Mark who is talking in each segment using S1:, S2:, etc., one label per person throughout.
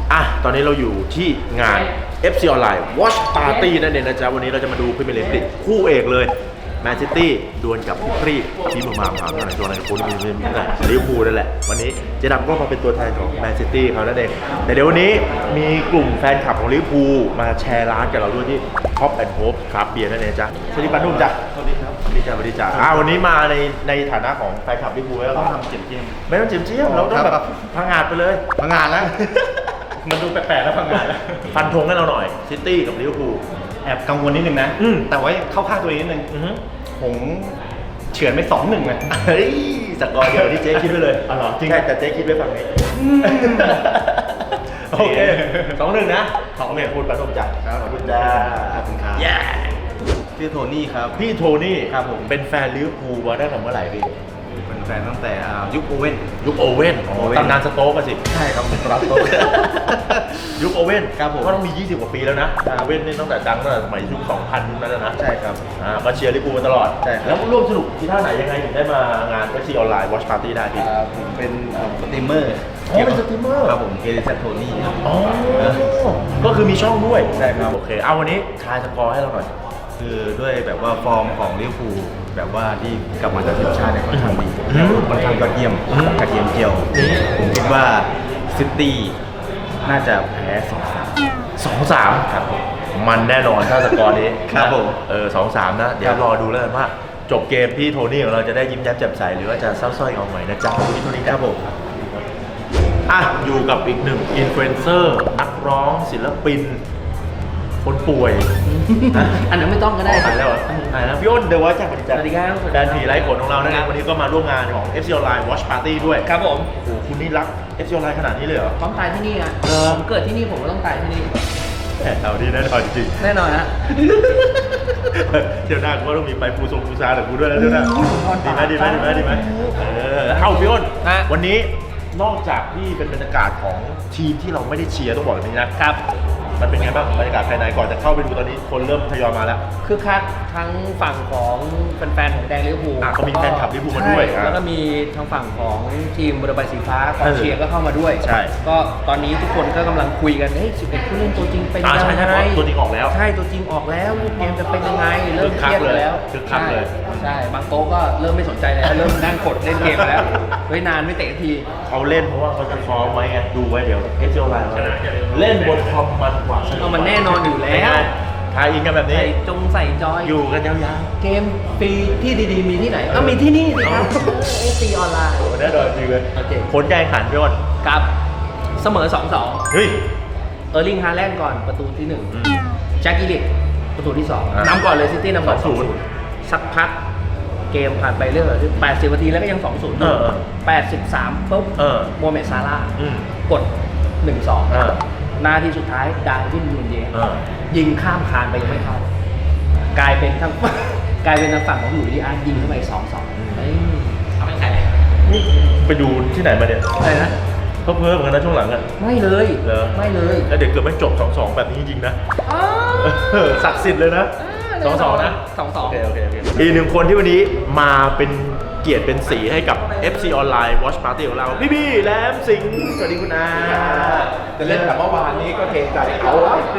S1: ตอนนี้เราอยู่ที่งาน FC Online Watch Party นั่นเองนะจ๊ะวันนี้เราจะมาดูพรีเมียร์ลีกอังกฤษคู่เอกเลยแมนซิตี้ดวลกับพิพรีที่มือมาถามหน่อยตัวอะไรคุณมีลิเวอร์พูลนั่นแหละวันนี้เจดำก็มาเป็นตัวแทนของแมนซิตี้เขานั่นเองแต่เดี๋ยววันนี้มีกลุ่มแฟนคลับของลิเวอร์พูลมาแชร์ร้านกับเราด้วยที่ Top and Hope ครับเบียร์นั่นเองจ้ะสวัสดีปานุ่มจ้ะสวัสดีครับสวัสดีจ้ะสวัสดีจ้ะวันนี้มาในฐานะของแฟนคลับลิเวอร์พูลแล้วต้องทำเจียมไม่ต้องเจียมเราต้องแบบพังงาดไปเลยพังงาดแล้วมันดูแปลกๆแล้วพังงาดฟันธงให้เราหน่อยซิตี้กับลิเวอร์พูล
S2: แอบกังวลนิดนึงนะแต่ว่าเข้าข้างตัวเองนิดนึงผมเฉือนไป2-1เลย
S1: เฮ้ยสกอร์เดียวที่เจ๊คิดไว้เลยอ๋อเหรอจริงแต่เจ๊คิดไว้ฝั่งนี้โอเค2-1นะ2-1พูดประดมจัดขอบคุณจ้า
S2: ขอบคุณครับพี่โทนี่ครับ
S1: พี่โทนี่
S2: ครับผม
S1: เป็นแฟนลิเวอร์พูลมาได้ตั้งเมื่อไหร่พี่
S2: เป็นแฟนตั้งแต่ยุคโอเว่น
S1: ตำนานสโต๊กสิ
S2: ใช่ครับสโต๊ก
S1: ยุคโอเว่น
S2: ครับผม
S1: ก็ต้องมี20กว่าปีแล้วนะโอเว่นนี่ตั้งแต่ดังตั้งแต่สมัยยุค2000ยุคนั้นนะ
S2: ใช่ครับ
S1: มาเชียร์ลิเวอร์พูลมาตลอดแล้วร่วมสนุกที่ท่าไหนยังไงถึงได้มางาน FC Online Watch Party ได้พี่
S2: ผมเป็นสตรีมเมอร์
S1: เป็นสตรีมเมอร์
S2: ครับผมเอลิซันโทนี่
S1: ก็คือมีช่องด้วย
S2: ใช่ครับ
S1: โอเคเอาวันนี้ทายสกอร์ให้เราหน่อย
S2: คือด้วยแบบว่าฟอร์มของลิเวอร์พูลแบบว่าที่กลับมาจากทีมชาติเนี่ยค่อนข้างดีค่อนข้างยอดเยี่ยมกระเทียมเจียวผมคิดว่าซิตี้น่าจะแพ้
S1: 2-3ครับมันแน่นอนถ้าสกอร์นี้
S2: ครับผม
S1: 2-3นะเดี๋ยวรอดูแล้วกันว่าจบเกมพี่โทนี่ของเราจะได้ยิ้มแย้มแจ่มใสหรือว่าจะเศร้าส้อยเอาใหม่นะจ๊ะพี่โทนี่ครับผมอยู่กับอีกหนึ่งอินฟลูเอนเซอร์นักร้องศิลปินคนป่วย
S3: อันนั้นไม่ต้องก็ได้
S1: หายแล้วเหรอหายแล้วพี่อ้นเดี๋ยวว่าจ้าสวัสดี
S3: ครับ
S1: แฟนผีไร้ขนของเรานะครับวันนี้ก็มาร่วมงานของ FC Online Watch Party ด้วย
S3: ครับผม
S1: โอ้คุณนี่รัก FC Online ขนาดนี้เลยเหรอ
S3: ต้องตายที่นี่อ่ะผมเกิดที่นี่ผมก็ต้องตายที่นี่
S1: เอาดีแน่นอนจริง
S3: แน่นอนฮะ
S1: เดี๋ยวหน้ากูก็ต้องมีไปปูซาแต่กูด้วยแล้วเดี๋ยวหน้าดีไหมเอาพี่อ้นวันนี้นอกจากที่เป็นบรรยากาศของทีมที่เราไม่ได้เชียร์ต้องบอกแบบนี้นะครับมันเป็นไงบ้างบรรยากาศภายในก่อนจะเข้าไปดูตอนนี้คนเริ่มทยอยมาแล้ว
S3: คือคักทั้งฝั่งของแฟนๆของแดงลิเวอร์พูล
S1: ก็มีแฟนคลับลิเวอร์พูลมาด้วย
S3: แล้วก็มีทางฝั่งของทีมบริบาลสีฟ้ากองเชียร์ก็เข้ามาด้วย
S1: ใช่
S3: ก็ตอนนี้ทุกคนก็กำลังคุยกันเฮ้ย11ผู้เล่นตัวจริงเป็นยังไง
S1: ตัวจริงออกแล้ว
S3: ใช่ตัวจริงออกแล้วรูปเกมจะเป็นยังไงเริ่มเครียดแล้วใช่บางโต๊ะก็เริ่มไม่สนใจแล้วเริ่มนั่งกดเล่นเกมแล้วเฮ้ยนานไม่เตะที
S1: เขาเล่นเพราะว่าเขาจะซ้อมไว้ไงดูไว้เดี๋ยวเอฟซีออนไลน์เล่นบนคอมมันกว่า
S3: มันแน่นอนอยู่แล้ว
S1: ทายอินกันแบบนี้
S3: ใส่จอย
S1: อยู่กันยาว
S3: ๆเกมฟรีที่ดีๆมีที่ไหนก็มีที่นี่สิครับFC ออนไลน์
S1: แน่นอนจริงเลยผลการแข่งขันพี่อ้น
S3: ครับเสมอ 2-2
S1: เฮ้ย
S3: เออร์ลิงฮาแลนด์ก่อนประตูที่1แจ็คอีลิกประตูที่2นำก่อนเลยซิตี้นำก่อน 2-0 สักพักเกมผ่านไปเรื่อยๆ80 นาทีแล้วก็ยัง 2-0 83ปุ๊บโมเมดซาร่ากด 1-2 นาทีสุดท้ายดาร์วินนูนเยสยิงข้ามคานไปยังไม่เข้ากลายเป็นทางฝั่งของหลุยส์ดิอาร์ยิงเข้าไป 2-2เอาไปใคร
S1: ไปดูที่ไหนมาเนี่ย
S3: อะไรนะ
S1: เขาเพิ่มเหมือนกันนะช่วงหลังอะ
S3: ไม่เลย
S1: แล้วเดี๋ยวเกิดไม่จบ 2-2 แบบนี้จริงๆนะศักดิ์สิทธิ์เลยนะ 2-2 นะ
S3: 2-2
S1: โอเคอีกหนึ่งคนที่วันนี้มาเป็นเกียรติเป็นสีให้กับ FC Online Watch Party ของเราพี่แหลมสิงห์สวัสดีคุณอา
S2: จะเล่นแบบเมื่อวานนี้ก็เทใจเขา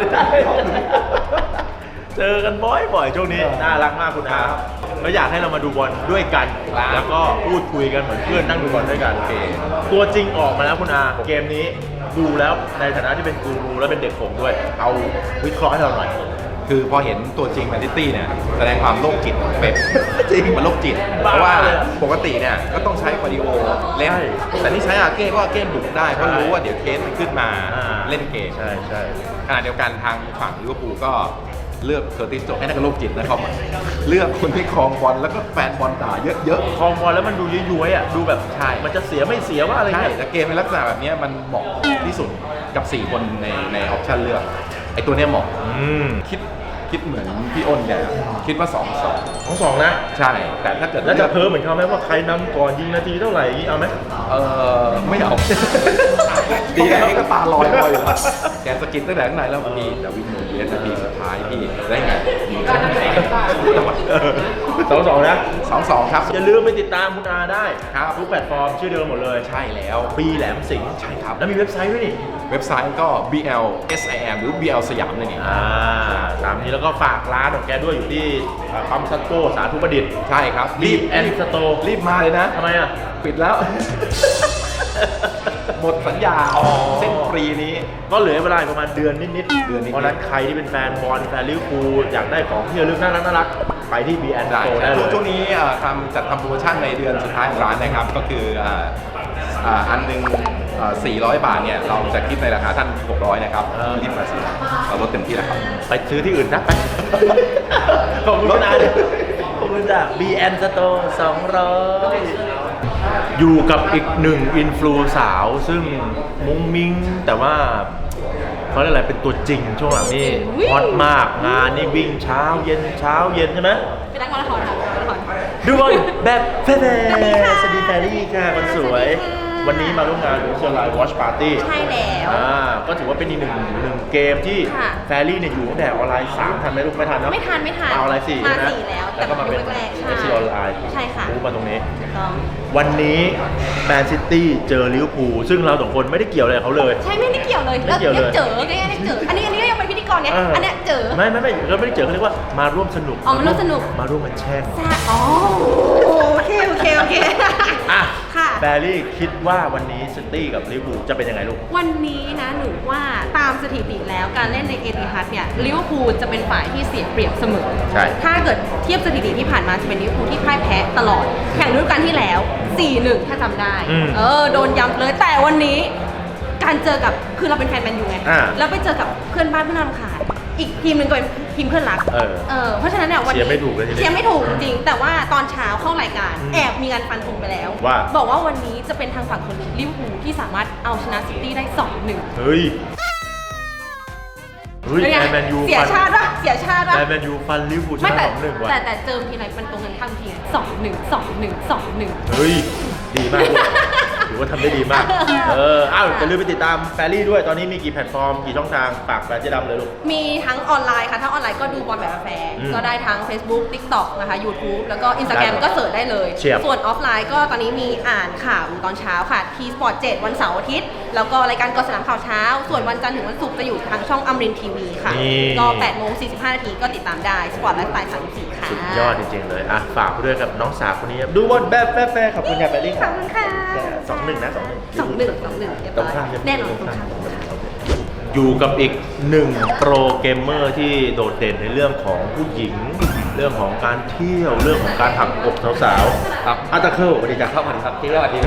S1: เจอกันบ่อยๆช่วงนี้น่ารักมากคุณอาแล้วอยากให้เรามาดูบอลด้วยกันแล้วก็พูดคุยกันเหมือนเพื่อนนั่งดูบอลด้วยกันตัวจริงออกมาแล้วคุณอาเกมนี้ดูแล้วในฐานะที่เป็นกูรูและเป็นเด็กผมด้วยเอาวิเคราะห์ให้เราหน่อย
S2: คือพอเห็นตัวจริงแมนซิตี้เนี่ยแสดงความโรคจิตเป็นจริงมันโรคจิตเพราะว่าปกติเนี่ยก็ต้องใช้คาร์ดิโอเล่นแต่นี่ใช้อาเก้ก็อาเก้บุกได้เพราะรู้ว่าเดี๋ยวเคสมันขึ้นมาเล่นเกม
S1: ใช่
S2: ขณะเดียวกันทางฝั่งลิเวอร์พูลก็เลือกเคอร์ติสโจให้นักโรคจิตนะครับเลือกคนที่ครองบอลแล้วก็แฟนบอลด่าเยอะ
S1: ๆครองบอลแล้วมันดูย้วยๆอ่ะดูแบบ
S2: ใช่
S1: มันจะเสียไม่เสียว่าอะไร
S2: ใช่แต่เกมในลักษณะแบบนี้มันเหมาะที่สุดกับ4คนในออปชั่นเลือกไอ้ตัวนี้เหมาะคิดคิดเหมือนพี่อ้นแกคิดว่า 2-2
S1: 2-2 นะ
S2: ใช่ แต่ถ้าเกิด
S1: แล้วจะเพิ่มเหมือนเขาไหมว่าใครนำก่อนยิงนาทีเท่าไหร่อย่างนี้เอาไหม
S2: ไม่เอา ดีแล้วนี่ก็ตาลอยอยู่แกสกิดตั้งแต่ข้างในแล้วมีดาวิดนูเยสนาทีสุดท้ายพี่ได้ไง
S1: 2-2 นะ
S2: 2-2 ครับ
S1: อย่าลืมไปติดตามคุณอาได้
S2: ครับ
S1: ทุกแพลตฟอร์มชื่อเดิมหมดเลย
S2: ใช่แล้ว
S1: ปีแหลมสิงห์
S2: ใช่ครับ
S1: แล้วมีเว็บไซต์ด้วยนี่
S2: เว็บไซต์ก็ BLSIM หรือ BL สยามเลยนี่
S1: ตามนี้แล้วก็ฝากร้านของแกด้วยอยู่ที่ปั๊มซัตโก้สาธุประดิษฐ์
S2: ใช่ครับ
S1: รีบแอนสโตร์
S2: รีบมาเลยนะ
S1: ทำไมอ่ะ
S2: ปิดแล้ว หมดสัญญา
S1: อ๋อ
S2: สิ้นปีนี้
S1: ก็เหลือเวลาอีกประมาณเดือนนิดๆ
S2: เดือนนิดๆ
S1: เพราะฉะนั้นใครที่เป็นแฟนบอลแฟนลิเวอร์พูลอยากได้ของที่ระลึกน่ารักไปที่ B and
S2: ได้
S1: Store ได้เลย
S2: ช่วงนี้จัดทำโปรโมชั่นในเดือนสุดท้ายของร้านนะครับ ก็คืออันหนึ่ง400 บาทเนี่ย เราจะคิดในราคาท่าน 600 นะครับรีบมาซื้อเราลดเต็มที่แล้วครับ
S1: ไปซื้อที่อื่นนะไป ขอบคุณนะขอบคุณจ้ะ B and Store 200 อยู่กับอีกหนึ่งอินฟลูสาว ซึ่งมุ้งมิ้งแต่ว่าเขาเรียกอะไรเป็นตัวจริงช่วงหลังนี่ฮอตมากงานนี่วิ่งเช้าเย็นใช่ไหม
S4: เป็นนักมาราธอนค่ะมาราธอน
S1: ดูบอลแบบแฟร์
S4: สวัสดีค่ะ
S1: สวัสดีแฟรี่ค่ะคนสวย
S4: สวัสดีค่ะ
S1: วันนี้มาร่วมงานหรือเชียร์ไลน์วอชปาร์ตี้
S4: ใช่แล้ว
S1: ก็ถือว่าเป็นอีกหนึ่งเกมที่
S4: ค่ะ
S1: แฟรี่เนี่ยอยู่ตั้งแต่ออนไลน์3ทันไหมลูกไม่ทันเนาะ
S4: ไม่ทันมา
S1: ออนไลน์4
S4: มา
S1: นะ
S4: สี่แล้ว
S1: แล้วก็มาเป็น
S4: ยุคแรกๆ
S1: เอ
S4: ใช่
S1: ซีออนไลน์
S4: ใช่ค่ะ
S1: รู้มาตรงนี้
S4: ถูกต้อง
S1: วันนี้แมนซิตี้เจอลิเวอร์พูลซึ่งเราสองคนไม่ได้เกี่ยวอะไรกับเขาเลย
S4: ใช่ไม่ได้เกี่ยวเลย
S1: ไม่เกี่ยวเลย
S4: เจอก็ยังได้เจออันนี้ก็ยังเป็นพิธีกรไงอันเนี้ยเจอ
S1: ไม่เราไม่ได้เจอเขาเรียกว่ามาร่วมสนุก
S4: อ๋อมาร่วมสนุก
S1: มาร่วมกันแช่ง
S4: แซ่บอ๋อโอเค
S1: อ่ะ
S4: ค่ะ
S1: แบรี่คิดว่าวันนี้ซิตี้กับลิเวอร์พูลจะเป็นยังไงลูก
S4: วันนี้นะหนูว่าตามสถิติแล้วการเล่นในเอติฮัดเนี่ยลิเวอร์พูลจะเป็นฝ่ายที่เสียเปรียบเสมอ
S1: ใช่
S4: ถ้าเกิดเทียบสถิติที่ผ่านมาจะเป็นลิเวอร์พูลที่พ่ายแพ้ตลอด แข่งฤดูกาลที่แล้ว 4-1 ถ้าจำได้ โดนย้ำเลยแต่วันนี้การเจอกับคือเราเป็นแฟนแมนยูไง แล้วไปเจอกับเพื่อนบ้านเพื่อนรำคาญอีกทีมหนึ่งก็เป็นทีมเพื่อนรัก เพราะฉะนั้นเนี่ยวันนี้
S1: เชียร์ไม่ถูกเลยทีนี้
S4: เชียร์ไม่ถูกจริงแต่ว่าตอนเช้าเข้ารายการ
S1: อืม
S4: แอบมีการฟันธงไปแล้ว
S1: ว่า
S4: บอกว่าวันนี้จะเป็นทางฝั่งคนลิเวอร์พูลที่สามารถเอาชนะซิตี้ได้ 2-1
S1: เฮ้ยแมนยู
S4: เสียชาติป่ะเสียชาติป่ะ
S1: แมนยูฟันลิเวอร์พูลช
S4: ไม่
S1: นะ
S4: แต่
S1: 2-1ว่ะ
S4: แต่เจิมทีไรมันตรงกันข้ามทีไง2-1
S1: เฮ้ย ดีมากลูกถือว่าทำได้ดีมาก อ้าวอย่าลืมไปติดตามแฟรี่ด้วย ตอนนี้มีกี่แพลตฟอร์ม กี่ช่องทาง ฝากแฟนเจ๊ดำเลยลูก
S4: มีทั้งออนไลน์ค่ะถ้าออนไลน์ก็ดูบอลแบบแฟร์
S1: อืม
S4: ก็ได้ทั้ง Facebook TikTok นะคะ YouTube แล้วก็ Instagram
S1: ได้หมด
S4: ก็เสิร์ชได้เลย
S1: เชียบ
S4: ส่วนออฟไลน์ก็ตอนนี้มีอ่านข่าวอยู่ตอนเช้าค่ะ ที่ Sport 7 วันเสาร์อาทิตย์ แล้วก็รายการกอสนามข่าวเช้า ส่วนวันจันทร์ถึงวันศุกร์จะอยู่ทางช่องอมรินทีวีค่ะ
S1: นี่
S4: ก็8:45 นาทีก็ติดตามได้ Sport และสไตล์34ค่ะ
S1: สุดยอดจริงๆเลย ฝากไปด้วยกับน้องสาวคนนี้ครับดูบอลแบบแฟร์ๆขอบคุณค่ะแฟรี่
S4: ขอบคุณค่ะ
S1: 2-1 นะ 2-1
S4: 2-1เรียบ
S1: ตรง
S4: ร้อย
S1: ข้ามใช่ไหม
S4: แน่นอนตรงข้าม
S1: อยู่กับอีกหนึ่งโปรเกมเมอร์ที่โดดเด่นในเรื่องของผู้หญิง เรื่องของการเที่ยว เรื่องของการหักอกสาวๆ
S2: ครับ
S1: อาร์ตาเคิลสวัสดีจ้ะ
S2: ครับสวัสดีครับที่สวัสดี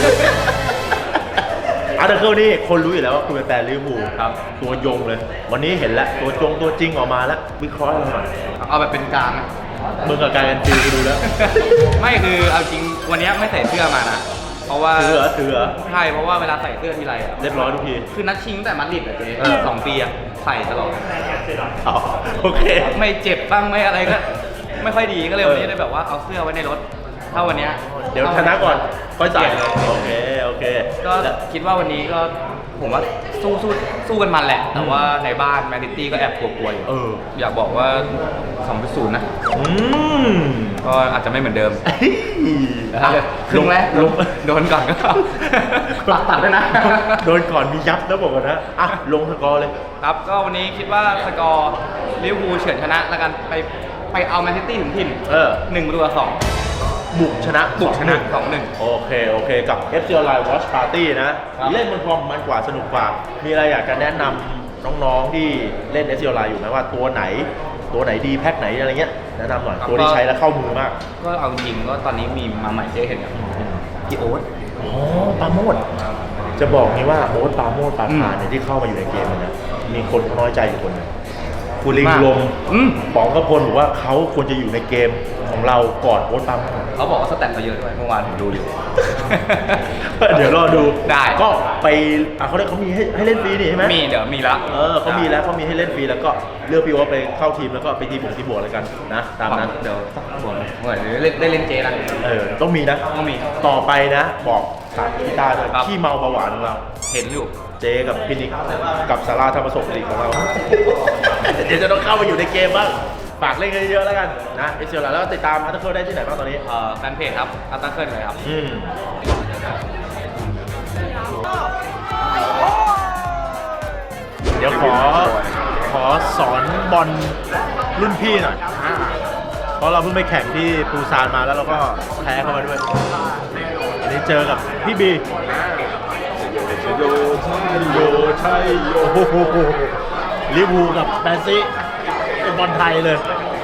S1: อาร์ตาเคิลนี่คนรู้อยู่แล้วว่าคุณเป็นแฟนลิเวอร์พูล
S2: ครับ
S1: ตัวยงเลย วันนี้เห็นแล้วตัวจริงออกมาแล้ว วิเคราะห์ให้เราหน่อย
S2: เอาแบบเป็นกลางนะ
S1: มึงกับการกันฟิลกูดูแล้ว
S5: ไม่คือเอาจริงวันนี้ไม่ใส่เสื้อมานะ เพราะว่า
S1: ถือเหรอ
S5: ใช่เพราะว่าเวลาใส่เสื้อทีไรอะ
S1: เรียบร้อยทุกที
S5: คือนัดชิงตั้งแต่มาดริดอะเจ๊
S1: เออ
S5: 2 ปีอะใส่ตลอด
S1: อ๋อโอเค
S5: ไม่เจ็บบ้างไม่อะไรก็ ไม่ค่อยดีก็เลยวันนี้ได้แบบว่าเอาเสื้อไว้ในรถ ถ้าวันเนี้ย
S1: เดี๋ยวชนะก่อน ค่อยใส่
S5: เปลี่ยนเลย
S1: โอเค
S5: ก็
S1: แล้ว
S5: คิดว่าวันนี้ก็ผมว่าสู้กันมันแหละ แต่ว่าในบ้านแมนซิตี้ก็แอบกลัวๆอยู่ อยากบอกว่า2-0นะ
S1: อืม
S5: ก็อาจจะไม่เหมือนเดิม
S1: อ่ะ
S5: ครึ่งแรก
S1: ลง
S5: โดนก่อนก็ตัดด้วยนะ
S1: โดนก่อนมียับนะบอกก่อนนะอ่ะลงสกอร์เลย
S5: ครับก็วันนี้คิดว่าสกอร์ลิเวอร์พูลเฉือนชนะแล้วกันไปเอาแมนซิตี้ถึงถิ่น 1-2
S1: บุกชนะ
S5: บุกชนะ
S1: 2-1 โอเคกับ FC Online Watch Party นะ เล่นบนคอมมันกว่าสนุกกว่า มีอะไรอยากจะแนะนำน้องๆที่เล่น FC Online อยู่ไหมว่าตัวไหนดีแพ็คไหนอะไรเงี้ยแนะนำหน่อย ตัวที่ใช้แล้วเข้ามือมาก
S5: ก็เอาจริงๆก็ตอนนี้มีมาใหม่เจ๊เห็นกับพี่โอ๊ต
S1: อ๋อปราโมดจะบอกนี้ว่าโอ๊ตปราโมดปราคาเนี่ยที่เข้ามาอยู่ในเกมเนี่ยนะมีคนเขาน้อยใจอยู่คนหนึงคุณลิงลมป๋องกระพลบอกว่าเขาควรจะอยู่ในเกมของเราก่อนโอ๊ตปราโมด
S5: เขาบอกว่าสแตทเขาเยอะด้วยเมื่อวานผมดูอยู่
S1: เดี๋ยวรอดู
S5: ได้
S1: ก็ไปเขามีให้เล่นฟรีนี่ใช่ไหม
S5: มีเดี๋ยวมีละ
S1: เขามีแล้วเขามีให้เล่นฟรีแล้วก็เลือกพี่ว่าไปเข้าทีมแล้วก็ไปทีบวกแล้วกันนะตามนั้น
S5: เดี๋ยวสักบวกเหมือนได้เล่นเจนะ
S1: ต้องมีนะ
S5: ต้องมี
S1: ต่อไปนะ บอกสายพี่ตาด้วย
S5: ครับ
S1: ขี้เมาเบาหวานของเรา
S5: เห็นอยู่
S1: เจกับพินิกกับซาร่าธรรมศพลีกของเรา เดี๋ยวจะต้องเข้าไปอยู่ในเกมบ้างฝากเล่นกันเยอะๆแล้วกันนะเอเชียแล้วติดตามอัตเตอร์ได้ที่ไหนบ้างตอนนี้
S5: แฟนเพจครับอัตตาเคิลเลยครับ
S1: เดี๋ยวขอสอนบอลรุ่นพี่หน่อย เพราะเราเพิ่งไปแข่งที่ปูซานมาแล้วเราก็แพ้เข้ามาด้วยอันนี้เจอกับพี่บีโยชัยโยลิเวอร์พูลกับแมนซีเป็นบอลไทยเลย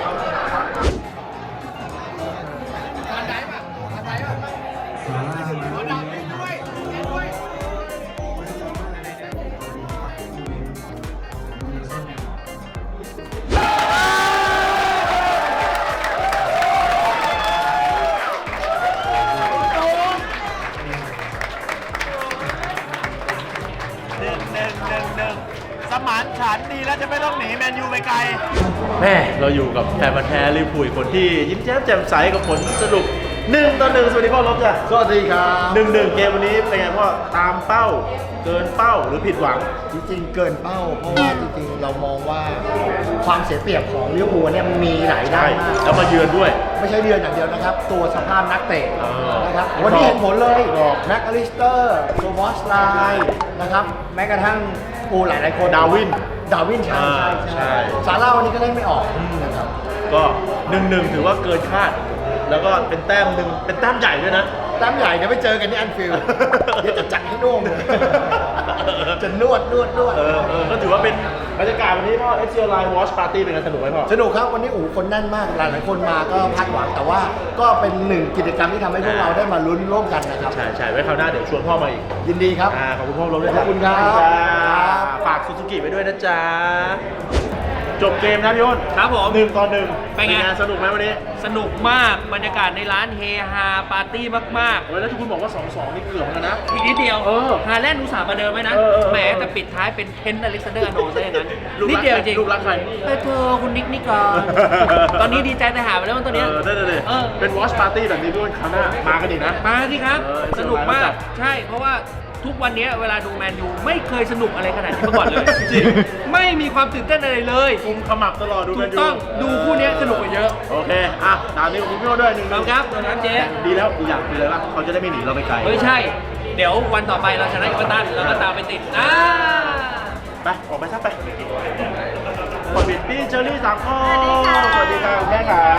S1: สมานฉันท์ดีแล้วจะไม่ต้องหนีแมนยูไปไกลแม่เราอยู่กับแฟนพันธุ์แท้ลิเวอร์พูลคนที่ยิ้มแย้มแจ่มใสกับผลสรุป1-1 สวัสดีพ่อลบจ้ะ
S6: สวัสดีครับ
S1: 1-1 เกมวันนี้เป็นไงพ่อตามเป้าเกินเป้าหรือผิดหวัง
S6: จริงๆเกินเป้า เพราะว่าจริงๆเรามองว่าความเสียเปรียบของลิเวอร์พูลเนี่ยมีหลายด้า
S1: ใช่
S6: นมาก
S1: แล้วมาเยือนด้วย
S6: ไม่ใช่เดือนอย่างเดียวนะครับ ตัวสภาพนักเตะ
S1: เออ
S6: นะครับวันนี้เห็นผลเลย
S1: บอก
S6: แม็กอลิสเตอร์โซบอสไลน์นะครับแม้กระทั่งหลายๆคน
S1: ดาวิน
S6: ใช่
S1: ใช่
S6: ซาร่าวันนี้ก็เล่นไม่ออกนะครับ
S1: ก็ 1-1 ถือว่าเกินคาด แล้วก็เป็นแต้มหนึ่งเป็นแต้มใหญ่ด้วยนะ
S6: แต้มใหญ่เดี๋ยวไปเจอกันที่แอนฟิลด์ เดี๋ยวจะจัดให้น่วมเลยจะนวด
S1: ก็ถือว่าเป็นบรรยากาศวันนี้พ่อ FC Online Watch Party เป็นไงสนุกไหมพ่อ
S6: สนุกครับวันนี้คนแน่นมากหลายคนมาก็พักหวังแต่ว่าก็เป็นหนึ่งกิจกรรมที่ทำให้พวกเราได้มาลุ้นร่วมกันนะครับ
S1: ใช่ไว้คราวหน้าเดี๋ยวชวนพ่อมาอีก
S6: ยินดีครับ
S1: ขอบคุณพ่อลบด้วย
S6: ขอบคุณครับ
S1: ฝากซูซูกิไว้ด้วยนะจ๊ะ จบเกมนะพี่อ้น
S3: ครับผม
S1: 1-1
S3: เป็นไง
S1: สนุกไหมวันนี้
S3: สนุกมากบรรยากาศในร้านเฮฮาปาร์ตี้มาก
S1: โอ้ยแล้วที่คุณบอกว่า 2-2 นี่เกือบเหมือนกันนะ
S3: ๆ อีกนิดเดียว ฮาแลนด์อุตส่าห์มาเดิมไหมนะ
S1: เออ
S3: แหมแต่ปิดท้ายเป็นเทนต์อเล็กซานเดอร์อาร์โนลด์ซะอย่างนั้น
S1: ลูกรัก
S3: นิดเดียวจริง
S1: ลูกรักใคร
S3: เธอคุณนิกนิกรตอนนี้ดีใจแต่หาไปแล้วมันตัวเนี้ย
S1: ได้
S3: เออ
S1: เป็น Watch Party แบบนี้พี่อ้นคราวหน้ามากันอีกนะ
S3: มาสิครับ
S1: เออ
S3: สนุกมาก
S1: จัด
S3: ใช่ เพราะว่าทุกวันนี้เวลาดูแมนยูไม่เคยสนุกอะไรขนาดนี้มาก่อนเลย
S1: จริง
S3: ไม่มีความตื่นเต้นอะไรเลย
S1: กุมขมับตลอดดู
S3: ถู
S1: แม
S3: ก
S1: นยู
S3: ต้องดูคู่นี้สนุกกว่าเยอะ
S1: โอเค ตามนี้ขอบคุณพี่อ้นด้วย1-1
S3: ครับตอนนั้นเจ๊
S1: ดีแล้วอีกอย่างคืออะไรวะเขาจะได้ไม่หนีเราไปไกล
S3: เฮ้ยใช่ เดี๋ยววันต่อไปเราชนะอีเวอร์ตันแล้วก็ตามไปติด
S1: ไป ออกไปซะไปกดปิดพี่เชอรี่3ข้อสวัสดีค่ะคุณแม่ขา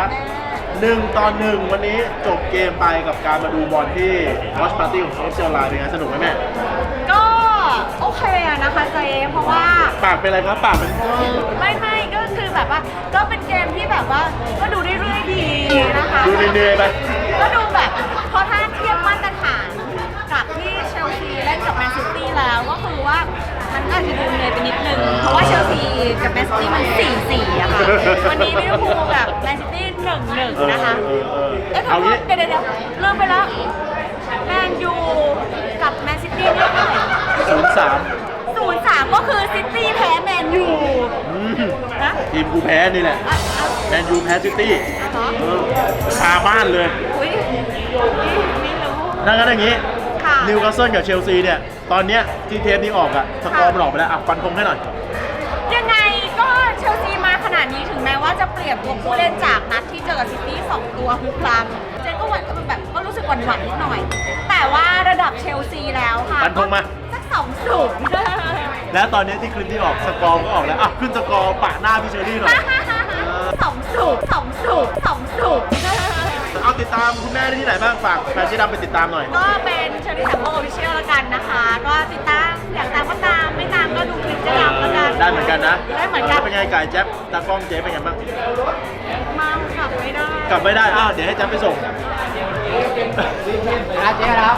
S1: 1-1 วันนี้จบเกมไปกับการมาดูบอลที่ Watch Party ของ FC Online เป็นไงสนุกไหมแม่
S4: ก็โอเคอะนะคะเจเพราะว่า
S1: ปากเป็นอะไรครับ ปากเป็น
S4: ไม่ก็คือแบบว่าก็เป็นเกมที่แบบว่าก็ดูได้เรื่อยๆดีนะคะ
S1: ดูเหนื่อยๆไป
S4: ก็ดูแบบเพราะถ้าเทียบมาตรฐานกับที่เชลซีเล่นกับแมนซิตี้แล้วก็คือว่ามันอาจจะดูเหนื่อยไปนิดนึงเพราะว่าเชลซีกับแมนซิตี้มัน 4-4อะค่ะวันนี้ลิเวอร์พูลกับแมนซิตี้ 1-1 นะคะ เอ๊ะ
S1: เอางี้
S4: เดี๋ยวเริ่มไปแล้วแมนยูกับแมนซิตี้นี่เท่าไหร่
S1: 0-3
S4: 0-3 ก็คือซิตี้แพ้แมนยูนะ
S1: ทีมกูแพ้นี่แหละ แมนยูแพ้ซิตี้คาบ้านเลย
S4: อุ้ยไม่รู้
S1: ดังนั้นอย่างนี้
S4: ค่ะ
S1: นิวคาสเซิลกับเชลซีเนี่ย ตอนเนี้ยที่เทปนี้ออกอะสกอร์มันออกไปแล้วฟันธงให้หน่อย
S4: ยังไงก็เชลซีมาขนาดนี้ถึงแม้ว่าจะเปลี่ยนตัวผู้เล่นจากนัดที่เจอกับซิตี้2 ตัวทุกครั้งเจนก็หวั่นแบบก็รู้สึกหวั่นนิดหน่อย แต่ว่าระดับเชลซีแล้วค่ะ
S1: ฟันธงมา
S4: สัก2-0
S1: แล้วตอนนี้ที่คลิปที่ออกสกอร์ก็ออกแล้วขึ้นสกอร์ปะหน้าพี่เชอรี่หน่อย เอาติดตามคุณแม่ได้ที่ไหนบ้างฝากแฟนที่ดำไปติดตามหน่อย
S4: ก็เป็นเชอรี่สัมโบออฟฟิเชียลแล้วกันนะคะ ก็ติดตามอยากตามก็ตามไม่ตามก็ดูคลิปจะดำแล้วกัน
S1: ได้เหมือนกันนะ
S4: ได้เหมือนกัน
S1: เป็นไงไก่แจ๊บตากล้องเจ๊เป็นไงบ้าง
S4: มากขับไม่ได้
S1: กลับไม่ได้เดี๋ยวให้แจ๊บไปส่ง
S6: เจ๊ครับ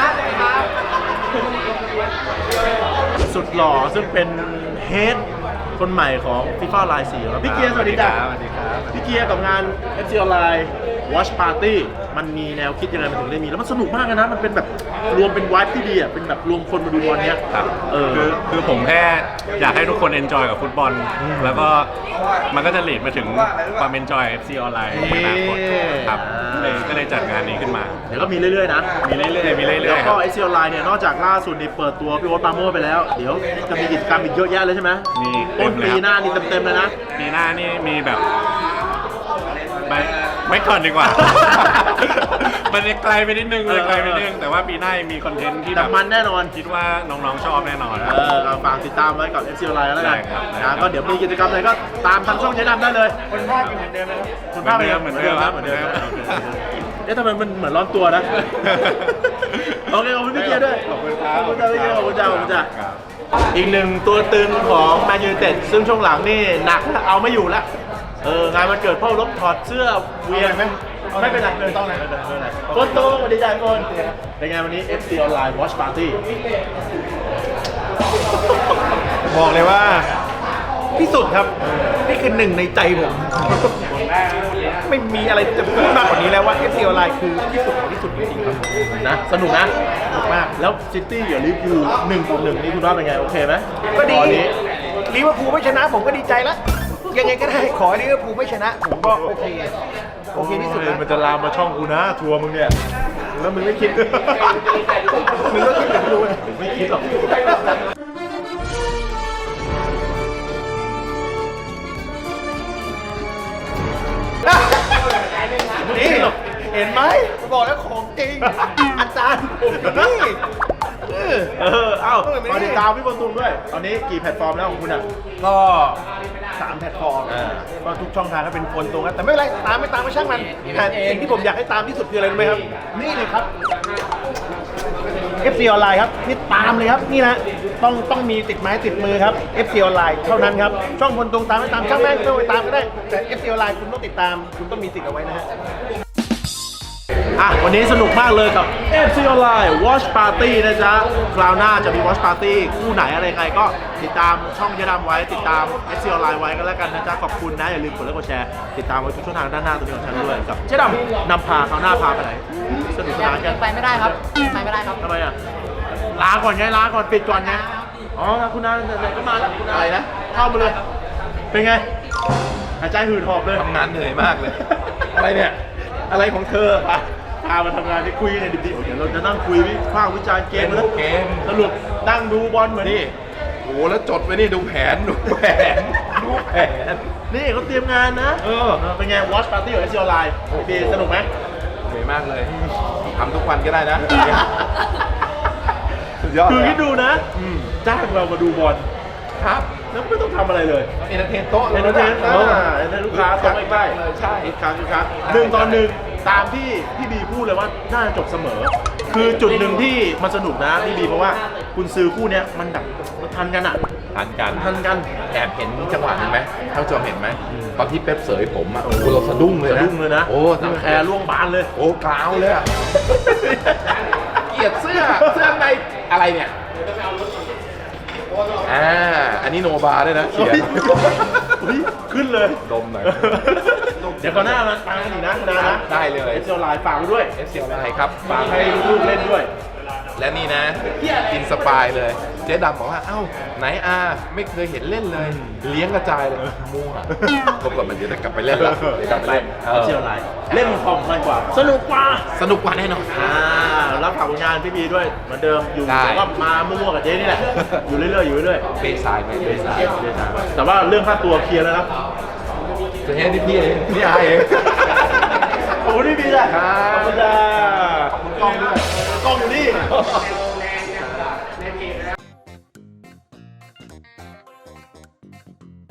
S1: สุดหล่อซึ่งเป็นเฮดคนใหม่ของ FIFA Line 4ครับพี่เกียร์สวัสดีจ้ะ
S2: สวัสดีครับ
S1: พี่เกียร์กับงาน FC Online Watch Party มันมีแนวคิดยังไงมันถึงได้มีแล้วมันสนุกมากนะมันเป็นแบบรวมเป็นวายที่ดีอ่ะเป็นแบบรวมคนมาดูบอลเนี้ย
S7: ครับ
S1: เออ
S7: คือผมแค่อยากให้ทุกคนเอนจอยกับฟุตบอล แล้วก็มันก็จะลีดมาถึงความเอนจอย FC ออนไลน์ในอนาคตครับก็เลยจัดงานนี้ขึ้นมา
S1: เดี๋ยวก็มีเรื่อยๆนะ
S7: มีเรื่อยๆมีเรื่อยๆ
S1: แล้วก็
S7: ครับ
S1: FC Online เนี่ยนอกจากล่าสุดนี่เปิดตัวพี่โอ๊ตปราโมชไปแล้ว เดี๋ยวจะมีกิจกรรมอีกเยอะแยะเลยใช่ไหม
S7: มีเต็
S1: ต้น
S7: มเลย
S1: ปี
S7: ครับ
S1: หน้านี่เต็มๆเลยนะ
S7: ปีหน้านี่มีแบบไม่ก่อนดีกว่า มันไกลไปนิดนึงเลยไกลไปนิดนึงแต่ว่าปีหน้ามีคอนเทนต์ที่
S1: แต่
S7: แบบ
S1: มันแน่นอน
S7: คิดว่าน้องๆชอบแน่นอนครับ
S1: เอาฝากติดตามไว้กับ FC Online แล้วกัน
S7: ได้ครับได้ครั
S1: นะ
S7: บ
S1: ก็เดี๋ยวมีกิจกรรมอะไรก็ตามทางช่องเจ๊ดำได้เลยคนภาคเหมือนเดิมไหมคนภาคเหมือนเดิมครับเหมือนเดิมนะเอ๊ะทำไมมันเหมือนร้อนตัวนะ โอเคขอบคุณพี่เกียร์ด้วย
S7: ขอบคุณครับ
S1: ขอบคุณจ้าพี่เกียร์ขอบคุณจ้าขอบคุณจ้า
S7: ครับ
S1: อีกหนึ่งตัวตึงของแมนยูเต็ดซึ่งช่วงหลังนี่หนักเอาไม่อยู่แล้วงานมันเกิดพ่อลบถอดเสื้อเวียนไม่เป็นไรเลยต้องไหนไม่เป็นไรคนโตสวัสดีจ้าคนเป็นไงวันนี้ FC Online Watch Party
S8: บอกเลยว่าที่สุดครับ นี่คือหนึ่งในใจผม ไม่มีอะไรจะพูดมากกว่านี้แล้วว่า FC Online คือที่สุดของที่สุดจริงๆครับ
S1: นะสนุกนะ
S8: สนุกมาก
S1: แล้วซิตี้กับลิเวอร์พูล1-1นี่คุณว่าเป็นไงโอเคไหม
S8: ก็ดี
S1: ตอนนี้
S8: ลิเวอร์พูลไม่ชนะผมก็ดีใจแล้ว ยังไงก็ได้ขอให้ลิเวอร์พูลไม่ชนะ ผมก็โอเคที่สุดนะ
S1: มันจะลามมาช่องกูนะทัวร์มึงเนี่ยแล้วมึงไม่คิด มึงก็คิดแบบรู้นะผมไม่คิดหรอก
S8: นี่เห็นไหมบอกแล้วของจริง อาจารย์ผมนี่
S1: เอ้ามาติดตามพี่บอลตูมด้วย ตอนนี้กี่แพลตฟอร์มแล้วของคุณอ่ะ
S8: ก็3แพลตฟอร์มก็ทุกช่องทางก็เป็นคนตรงกันแต่ไม่เป็นไรตามไม่ตามไม่ช่างมันแต่สิ่งที่ผมอยากให้ตามที่สุดคืออะไรรู้ไหมครับ นี่เลยครับ FC ออนไลน์ครับนี่ตามเลยครับนี่นะต้องมีติดไม้ติดมือครับ FC ออนไลน์เท่านั้นครับช่องคนตรงตามไม่ตามช่างแม่งไม่ต้องไปตามก็ได้แต่ FC ออนไลน์คุณต้องติดตามคุณต้องมีสิทธิ์เอาไว้นะฮะ
S1: วันนี้สนุกมากเลยกับ FC Online Watch Party นะจ๊ะ คราวหน้าจะมี Watch Party คู่ไหนอะไรไงก็ติดตามช่องเจ๊ดำไว้ ติดตาม FC Online ไว้ก็แล้วกันนะจ๊ะ ขอบคุณนะ อย่าลืมกดไลค์กดแชร์ ติดตามไว้ทุกช่องทางด้านหน้าตัวนี้ของฉันด้วยกับเจ๊ดำนำพาคราวหน้าพาไปไหน สนุกสนานกัน
S4: ไปไม่ได้ครับ ไปไม่ได้ครับ
S1: ทำไมอ่ะ ลาก่อนไงลาก่อนปิดก่อนไง อ๋อคุณนาไหนๆก็มาแล้วคุณนา
S2: อะไรนะ
S1: เข้ามาเลย เป็นไง หายใจหืดหอบเลย
S2: ทำงานเหนื่อยมากเลย
S1: อะไรเนี่ย อะไรของเธอพามาทำงานที่คุยเนี่ยดิบๆเดี๋ยวเราจะนั่งคุยวิพากษ์วิจารณ์เกมแล้ว
S2: เกม
S1: สรุปนั่งดูบอลเหมือน
S2: นี่โอ้โหแล้วจดไว้นี่ดูแผนดูแผน
S1: นี่เขาเตรียมงานนะ เป็นไง Watch Party ของ SC Online ดีสนุกไหม
S2: เหนื่อยมากเลยทำทุกวันก็ได้นะสุดยอด
S1: คือ
S2: เลย
S1: คิดดูนะจ้างเรามาดูบอล
S2: ครับ
S1: แล้วไม่ต้องทำอะไรเลย
S2: เอนเตอร์เทนโต๊ะ
S1: เอนเตอร์เทนลูกค้าต้องใกล้ๆ
S2: ใช่
S1: อีกครั้ง1-1ตามที่พี่บีพูดเลยว่าน่าจะจบเสมอ คือจุดหนึ่งที่มันสนุกนะพี่บีเพราะว่าคุณซื้อคู่เนี้ยมันแบบมันทันกันอ่ะ
S2: ทันกัน
S1: ทันกัน
S2: แอบเห็นจังหวะนึงไหมท่านผู้ชมเห็นไหมตอนที่เป๊ปเสยผมอ่ะโอ้โหเราสะดุ้งเลย
S1: สะ
S2: นะ
S1: ดุ้งเลยนะ
S2: โอ้
S1: นี่แอร์ล่วงบานเลย
S2: โอ้กล้าวเลยอะเกลียดเสื้อในอะไรเนี่ยอันนี้โนบาด้วยนะเขียน
S1: อุ๊ยขึ้นเลย
S2: ดมหน่อย
S1: เดี๋ยวก่อนหน้ามาตามกันอีกนะนะ
S2: ได้เลย
S1: เอฟซีไลน์ฝากไว้ด้วย
S2: FC อะไรครับ
S1: ฝากให้ลูกๆเล่นด้วย
S2: และนี่นะอินสปายเลย เจ๊ดำบอกว่า เอ้า ไหนอาไม่เคยเห็นเล่นเลย เลี้ยงกระจายเลยมั่วก็กลับมันเดี๋ยวจะกลับไปเล่นละเดี๋ยวกลับไปเล่น
S1: เอฟซีไลน์เล่นคอมมันกว่า สนุกกว่า
S2: สนุกกว่าแน่นอน
S1: รับฝากผลงานพี่บีด้วยเหมือนเดิมอยู่
S2: ได้
S1: แล้วก็มามั่วๆกับเจ๊นี่แหละ อยู่เรื่อยๆอยู่เรื่อย
S2: เบสายไหมเบสาย
S1: ๆแต่ว่าเรื่องค่าตัวเคลียร์แล้วนะ
S2: จะให้ที่พี่เองนี่อาเอง
S1: ขอบคุณพี่บีจ้ะ
S2: ครับ
S1: ขอบคุณจ้าขอบคุณกล้องด้วยกล้องอยู่นี่